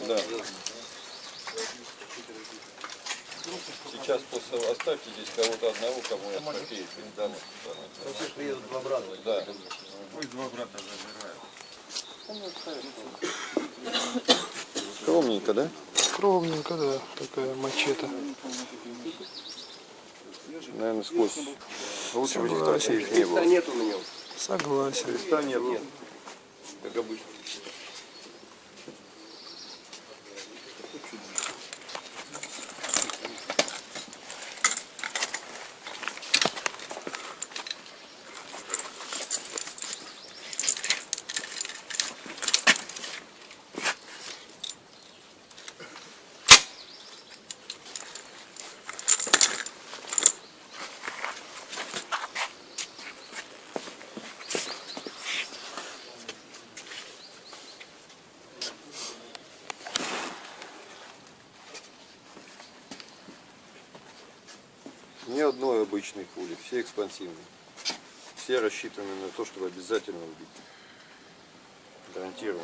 Да. Сейчас после оставьте здесь кого-то одного, кому я попею. Пусть приедут два брата. Да. Пусть два брата забирают. Скромненько, да? Скромненько, да, такая мачете. Наверное, сквозь. Лучше бы этих трофеев не было. Нет у меня. Согласен. Креста нет, как обычно. Ни одной обычной пули, все экспансивные. Все рассчитаны на то, чтобы обязательно убить. Гарантированно.